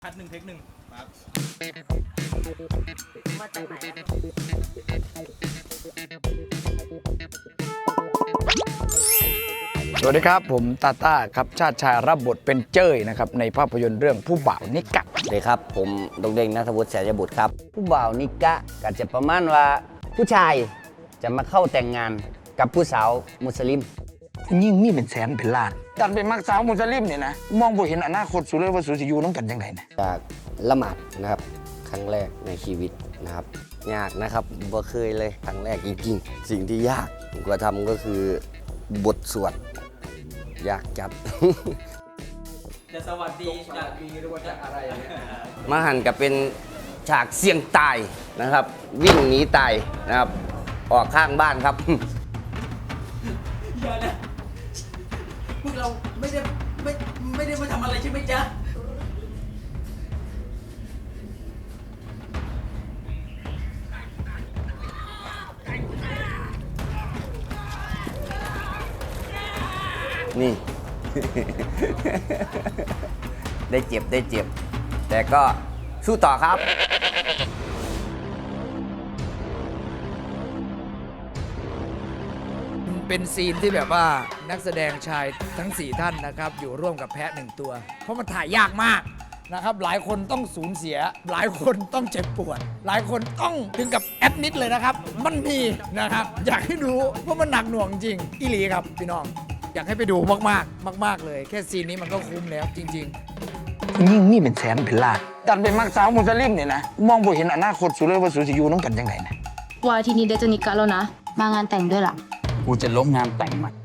คัด1 เทค 1ครับมาจากไหนสวัสดีครับผมตาต้าครับชาติชายรับบทเป็นเจ้ยนะครับในภาพยนตร์เรื่องผู้บ่าวนิกะสวัสดีครับผมดงเด้งณัฐวุฒิแสยบุตรครับผู้บ่าวนิกะก็จะประมาณว่าผู้ชายจะมาเข้าแต่งงานกับผู้สาวมุสลิมยิ่งมีเป็นแสนเป็นล้านดันเป็นมักสาวมุสลิมเนี่ยนะมองบ่เห็นอนาคตสุดเลยว่าสุดจะอยู่น้องกันยังไงนะจากละหมาดนะครับครั้งแรกในชีวิตนะครับยากนะครับบ่เคยเลยครั้งแรกจริงๆสิ่งที่ยากกว่าทำก็คือบทสวดยากจัดจะสวัสดีจะดีหรือว่าจะอะไรเนี่ยมาหันกับเป็นฉากเสี่ยงตายนะครับ วิ่งหนีตายนะครับออกข้างบ้านครับอย่านะพวกเราไม่ได้มาทำอะไรใช่ไหมจ๊ะนี่ ได้เจ็บ แต่ก็สู้ต่อครับเป็นซีนที่แบบว่านักแสดงชายทั้ง 4 ท่านนะครับอยู่ร่วมกับแพะ1 ตัว เพราะมันถ่ายยากมากนะครับหลายคนต้องสูญเสีย หลายคนต้องเจ็บปวด หลายคนต้องถึงกับแอดมิดเลยนะครับ มันมีนะครับอยากให้ดูเพราะมันหนักหน่วงจริงอีหลีครับพี่น้องอยากให้ไปดูมากๆเลยแค่ซีนนี้มันก็คุ้มแล้วจริงยิ่งมีเป็นแสนเป็นล้านดันเป็นมักสาวมุสลิมเนี่ยนะมองบ่เห็นอนาคตสุดเลยว่าสุดจะอยู่น้องกันยังไงนะวันอาทิตย์นี้เดยวจะนิกะแล้วนะ มางานแต่งด้วยล่ะกูจะล้มงานแต่งมัน